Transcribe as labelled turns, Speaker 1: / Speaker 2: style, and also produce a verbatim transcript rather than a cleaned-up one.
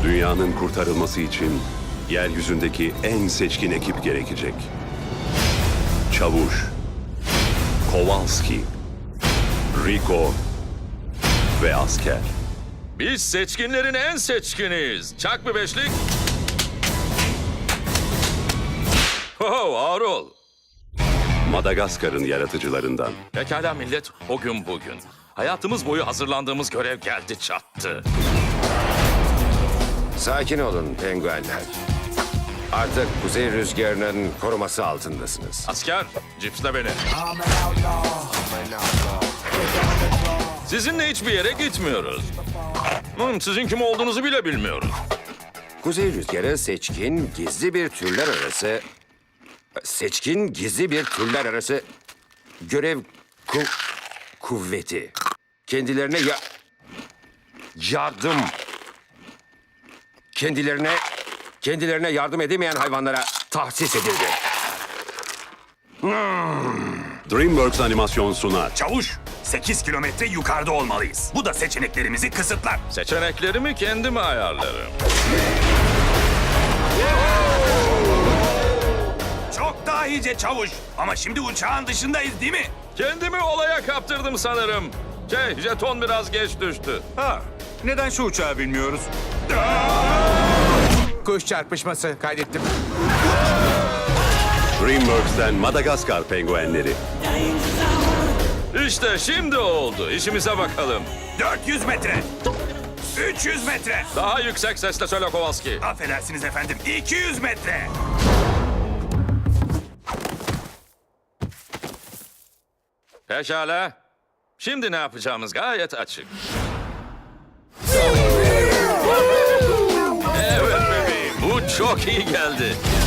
Speaker 1: Dünyanın kurtarılması için yeryüzündeki en seçkin ekip gerekecek. Çavuş, Kowalski, Rico ve asker.
Speaker 2: Biz seçkinlerin en seçkiniyiz. Çak bir beşlik. Oh, ağır ol.
Speaker 1: Madagaskar'ın yaratıcılarından.
Speaker 2: Pekala millet, o gün bugün. Hayatımız boyu hazırlandığımız görev geldi çattı.
Speaker 3: Sakin olun penguenler. Artık kuzey rüzgarının koruması altındasınız.
Speaker 2: Asker, cipsle beni. Sizinle hiçbir yere gitmiyoruz. Hmm, sizin kim olduğunuzu bile bilmiyoruz.
Speaker 3: Kuzey rüzgarı seçkin, gizli bir türler arası... Seçkin, gizli bir türler arası görev ku... kuvveti. Kendilerine ya... yardım... Kendilerine... Kendilerine yardım edemeyen hayvanlara tahsis edildi.
Speaker 1: DreamWorks Animasyon sunar.
Speaker 4: Çavuş, sekiz kilometre yukarıda olmalıyız. Bu da seçeneklerimizi kısıtlar.
Speaker 2: Seçeneklerimi kendim ayarlarım.
Speaker 4: Çok daha iyice çavuş. Ama şimdi uçağın dışındayız değil mi?
Speaker 2: Kendimi olaya kaptırdım sanırım. Şey, jeton biraz geç düştü.
Speaker 4: Ha, neden şu uçağı bilmiyoruz?
Speaker 5: Kuş çarpışması kaydettim.
Speaker 1: DreamWorks'ten Madagaskar penguenleri.
Speaker 2: İşte şimdi oldu. İşimize bakalım.
Speaker 4: dört yüz metre. üç yüz metre.
Speaker 2: Daha yüksek sesle söyle Kowalski.
Speaker 4: Affedersiniz efendim. iki yüz metre.
Speaker 2: Pekala. Şimdi ne yapacağımız gayet açık. Evet bebeğim, bu çok iyi geldi.